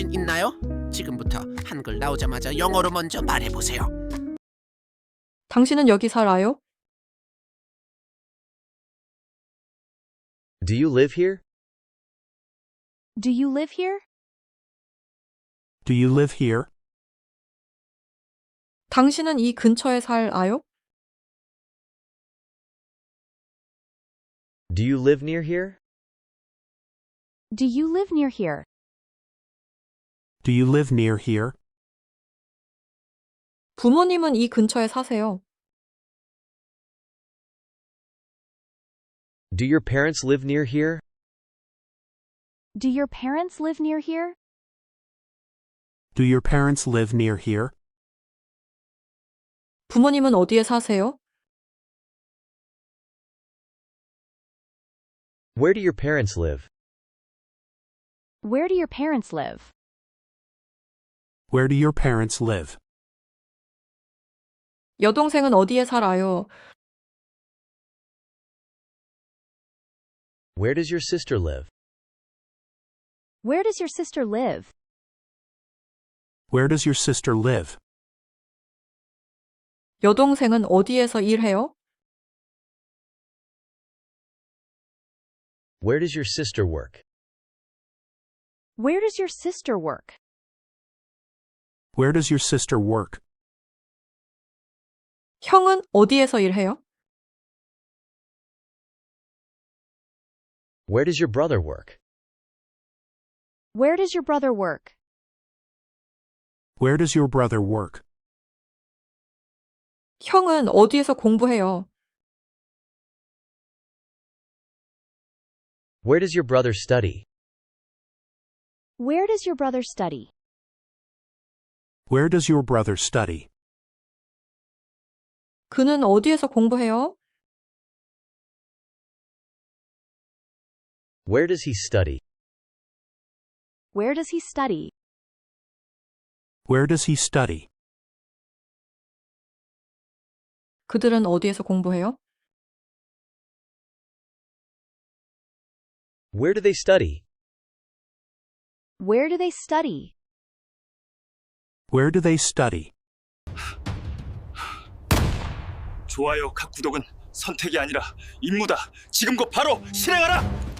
자신 있나요? 지금부터 한글 나오자마자 영어로 먼저 말해보세요. 당신은 여기 살아요? Do you live here? Do you live here? Do you live here? 당신은 이 근처에 살아요? Do you live near here? Do you live near here? Do you live near here? 부모님은 이 근처에 사세요. Do your parents live near here? Do your parents live near here? Do your parents live near here? 부모님은 어디에 사세요? Where do your parents live? Where do your parents live? Where do your parents live? 여동생은 어디에 살아요? Where does your sister live? Where does your sister live? Where does your sister live? 여동생은 어디에서 일해요? Where does your sister work? Where does your sister work? Where does your sister work? 형은 어디에서 일해요? Where does your brother work? Where does your brother work? Where does your brother work? 형은 어디에서 공부해요? Where does your brother study? Where does your brother study? Where does your brother study? 그는 어디에서 공부해요? Where does he study? Where does he study? Where does he study? 그들은 어디에서 공부해요? Where do they study? Where do they study? Where do they study? 좋아요, 각 구독은 선택이 아니라 임무다. 지금 곧 바로 실행하라!